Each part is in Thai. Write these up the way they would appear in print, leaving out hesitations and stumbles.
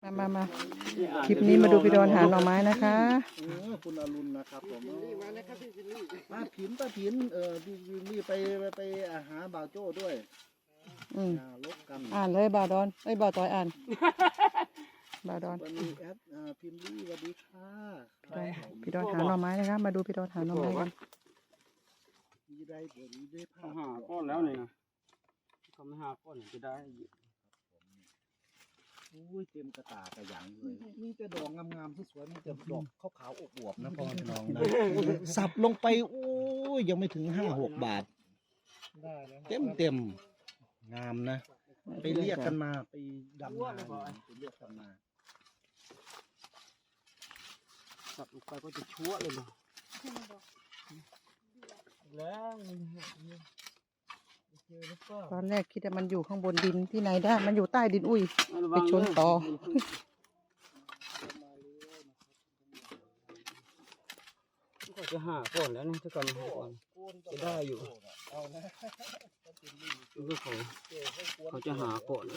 มาคลิปนี้มาดูพี่ดอนหาหน่อไม้นะคะคุณอรุณนะครับผมมานะครับพี่พิลลี่ป้าผินพี่พิลลี่ไปหาบ่าวโจ้ด้วยลบกันอ่านเลยบ่าวดอนบ่าวต้อยอ่านบ่าวดอนวันนี้แอดพิมลี่สวัสดีค่ะพี่ดอนหาหน่อไม้นะคะมาดูพี่ดอนหาหน่อไม้กันมีได้เดี๋ยวนี้ได้ภาพหาก้อนแล้วนี่นะเขาไม่หาก้อนจะได้อุ้ยเต็มกระตากระหยังเลยมีแต่ดอกงามๆสวยๆมีแต่ดอกขาวๆอวบๆนะพ่อน้องนะสับลงไปโอ้ยยังไม่ถึง5-6 บาทเต็มงามนะไปเรียกกันมาไปดำนาไปเรียกกันมาสับลงไปก็จะชั่วเลยนะแล้วตอนแรกคิดว่ามันอยู่ข้างบนดินที่ไหนได้มันอยู่ใต้ดินอุ้ยไปชนต่อก็จะหาก่อนแล้วนะถ้าก่อนหาก่อนจะได้อยู่คือเขาจะหาก่อน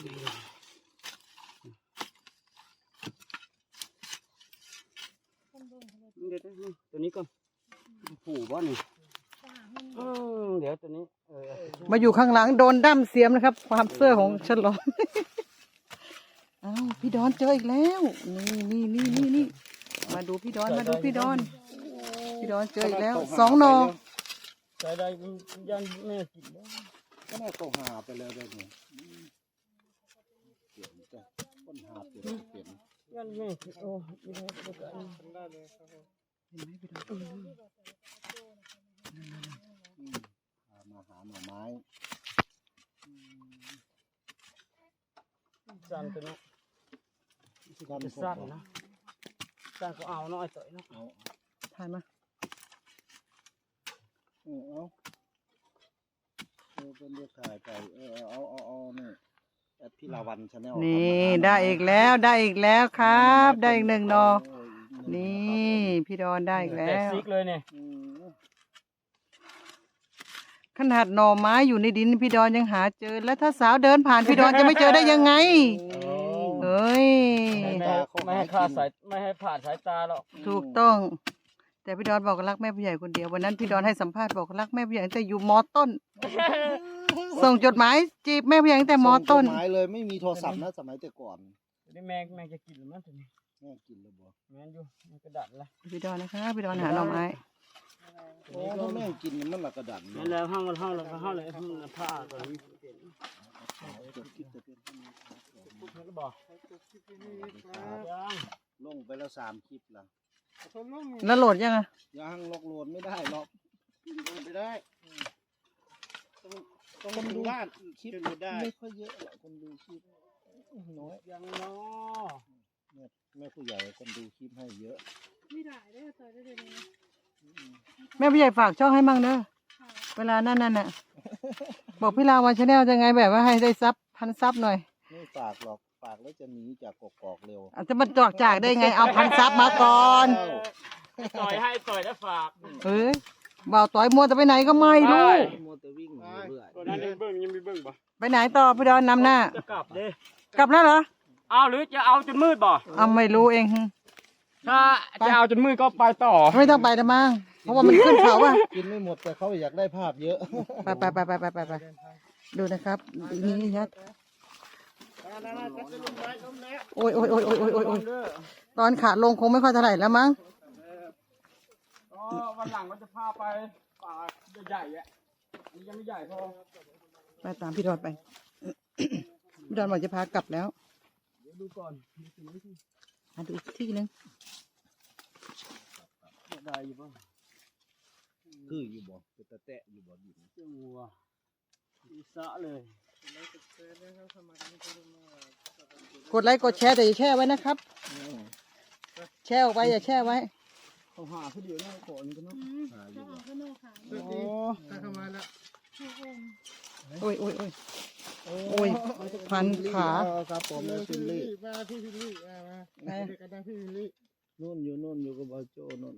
เดี๋ยวตัวนี้ก่อนผูบ้านนี่เดี๋ยวตัวนี้มาอยู่ข้างหลังโดนดั้มเสียมนะครับความเสื้อของฉลองอ้าวพี่ดอนเจออีกแล้วนี่มาดูพี่ดอนพี่ดอนเจออีกแล้ว2 หน่อใจได้ยันแม่กินแล้วก็น่าต้องหาไปแล้วได้เนี่ยเปลี่ยนจ้ะต้นหาเปลี่ยนยันแม่กินโอ้ไม่ได้ได้เลยครับผมเห็นไหมพี่ดอนมาหาหน่อไม้สั่นตัวนี้สั่นนะสั่นก็เอาน้อยต่อยนะเอาถ่ายมาเป็นเลือกถ่ายไปเอานี่แอดพี่ลาวันชาแนลนี่ได้อีกแล้วครับได้อีก1 หน่อนี่พี่ดอนได้อีกแล้วซิกเลยเนี่ยขนาดหน่อไม้อยู่ในดินพี่ดอนยังหาเจอแล้วถ้าสาวเดินผ่านพี่ดอนจะไม่เจอได้ยังไงเฮ้ยไม่ให้ขาดสายไม่ให้ผ่านสายตาหรอกถูกต้องแต่พี่ดอนบอกรักแม่ผู้ใหญ่คนเดียววันนั้นพี่ดอนให้สัมภาษณ์บอกรักแม่ผู้ใหญ่ตั้งแต่อยู่ม.ต้นส่งจดหมายจีบแม่ผู้ใหญ่ตั้งแต่ม.ต้นจดหมายเลยไม่มีโทรศัพท์นะสมัยแต่ก่อนนี่แม่จะกินหรือมั้งทีนี้แม่กินเลยบ่แม่อยู่มันกระดาษละพี่ดอนนะคะพี่ดอนหาหน่อไม้โอ้ถ้าแม่กินมันละกระดาษนั่นแล้วห้องเลยผ้าตัวนี้ลงไปแล้ว3 คลิปแล้วโหลดยังอะยังโหลดไม่ได้หรอกไม่ได้ต้องดูคลิปได้ไม่ค่อยเยอะคนดูคลิปน้อยยังน้อแม่ผู้ใหญ่คนดูคลิปให้เยอะไม่ได้ได้ต่อได้เลยแม่ผู้ใหญ่ฝากช่องให้มั่งเนอะเวลานั่นน่ะบอกพี่ลาวันชาแนลจะไงแบบว่าให้ได้1,000 ซับหน่อยไม่ฝากหรอกฝากแล้วจะหนีจากกอกเร็วอาจจะมันจากได้ไงเอา1,000 ซับมาก่อนต่อยแล้วฝากบ่าวต่อยมัวจะไปไหนก็ไม่รู้มัวแต่วิ่งเรื่อยตัวนั้นยังมีเบิ้งป่ะไปไหนต่อพี่ดอนนำหน้าจะกลับเลยกลับแล้วเหรอเอาหรือจะเอาจนมืดบ่ไม่รู้เองถ้าจะเอาจนมืดก็ไปต่อไม่ต้องไปนะมั้งเพราะว่ามันขึ้นเขาอะกินไม่หมดแต่เขาอยากได้ภาพเยอะไปดูนะครับนี่ยัดโอ้ยตอนขาลงคงไม่ค่อยเท่าไหร่แล้วมั้งวันหลังก็จะพาไปป่าใหญ่ๆอ่ะนี่ยังไม่ใหญ่พอไปตามพี่ดอนไปพี่ดอนบอกจะพากลับแล้วเดี๋ยวดูก่อนดูอีกที่นึงได้อยู่ป่ะคืออยู่บ่เป็นตะแตะอยู่บ่ดินจังหวะอีสะเลยกดไลค์กดแชร์แต่อย่าแช่ไว้นะครับแช่ออกไปอย่าแช่ไว้เขาหาเขาเดียวนี่ขอนี่กันเนาะหาอยู่โอ้เข้ามาแล้วโอ้ยพันขาครับผมพิลลี่มาพี่พิลลี่มากันนะพี่พิลลี่นู่นอยู่กับบ่าวโจ้นู่น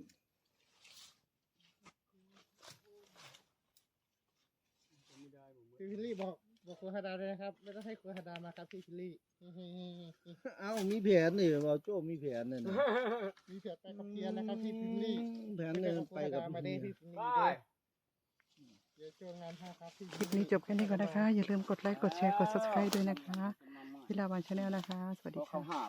พี่พิลลี่บอกบอกครูฮาดาเลยนะครับไม่ต้องให้ครูฮาดามาครับพี่ชิลลี่เอ้ามีแผนนี่บ่าวโจ้มีแผนนี่นะมีเพียรไปกับเพียรนะครับพี่ชิลลี่แผนนี่ไปกับมาเด้พี่พี่ชิลลี่เด้เดี๋ยวช่วงงานห้าครับพี่คลิปนี้จบแค่นี้ก่อนนะคะ อย่าลืมกดไลค์ กดแชร์ กด subscribe ด้วยนะคะ วิลาวันชาแนลนะคะ สวัสดีค่ะ